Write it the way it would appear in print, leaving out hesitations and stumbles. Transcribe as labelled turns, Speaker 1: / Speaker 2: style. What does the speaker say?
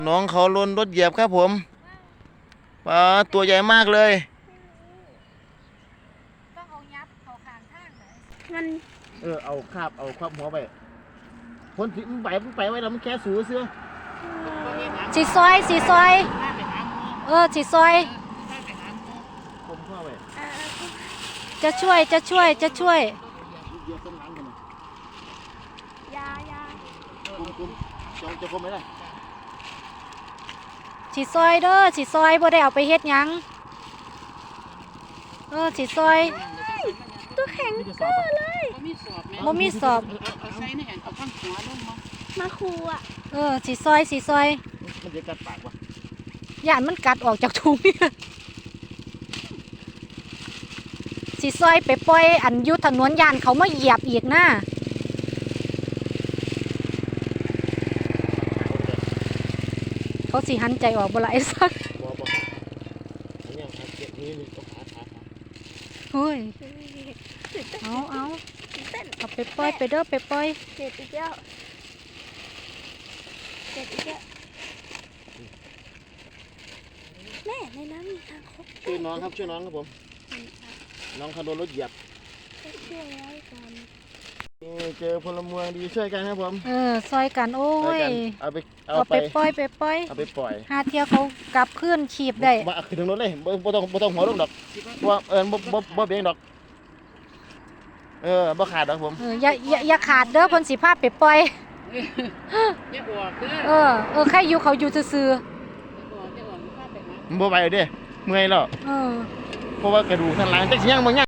Speaker 1: น้องเขาลนรถเหยียบครับผมปลาตัวใหญ่มากเลย
Speaker 2: ต้องเอายับเขาขางข้างเลยมัน
Speaker 1: เอาคาบเอาครอบหัวไปคนที่มันไปไว้แล้วมันแค่สูเสื้อ
Speaker 2: สีซอยสีซอยสีซอย
Speaker 1: ผมเข้าไป
Speaker 2: จะช่วย
Speaker 1: เหยียบต้นหลังกันนะ
Speaker 2: ยา
Speaker 1: คุมจะคุมไหมล่ะ
Speaker 2: สีซอยเด้อสีซอยบ่ได้เอาไปเฮ็ดหยังสีซอยตัวแข็งเก้อเลยบ่มีสอบ
Speaker 3: เอาใส่ในอันเอาข้างหัวลง
Speaker 2: มาครูอ่ะสีซอย
Speaker 1: มันจะกัดปากวะ
Speaker 2: ย่านมันกัดออกจากถุงนี่สีซอยไปปล่อยอันอยู่ถนนย่านเขามาเหยียบอีกนะเขาสิหันใจออกบ่ล่ะไอ้สัก
Speaker 1: บอกอันนี้ครับเก็บนี่ต้องขา
Speaker 2: เฮ้ยเอาไปปล่อยไปเด้อไปปล่อยเจ็บอีกแล้วแม่ในน้ำมีทางคบ
Speaker 1: ช่วยน้องครับผมน้องเขาโดนรถเหยียบ
Speaker 2: ช่วยไว้ก่อน
Speaker 1: เจอพลเมืองดีช่วยกันครับผม
Speaker 2: ซอยกันโอ้ย
Speaker 1: เอาไป
Speaker 2: ปล่อย
Speaker 1: เอาไปปล่อย
Speaker 2: หาเที่ยวเขากลับขึ้นขีบได้
Speaker 1: มาขึ้นถึงรถเลยบ่ต้องหัวลงดอกว่าบ่เบี่ยงดอกบ่ขาดดอกผม
Speaker 2: อย่าขาดเด้อเพิ่นสิพาไปปล่อย
Speaker 3: อย่าออกเด้อ
Speaker 2: ใครอยู่เขาอยู่ซื่อ
Speaker 1: บ่ไปเด้เมื่อยแล้วเพราะว่ากระดูกสันหลังจักสิยังบ่ยัง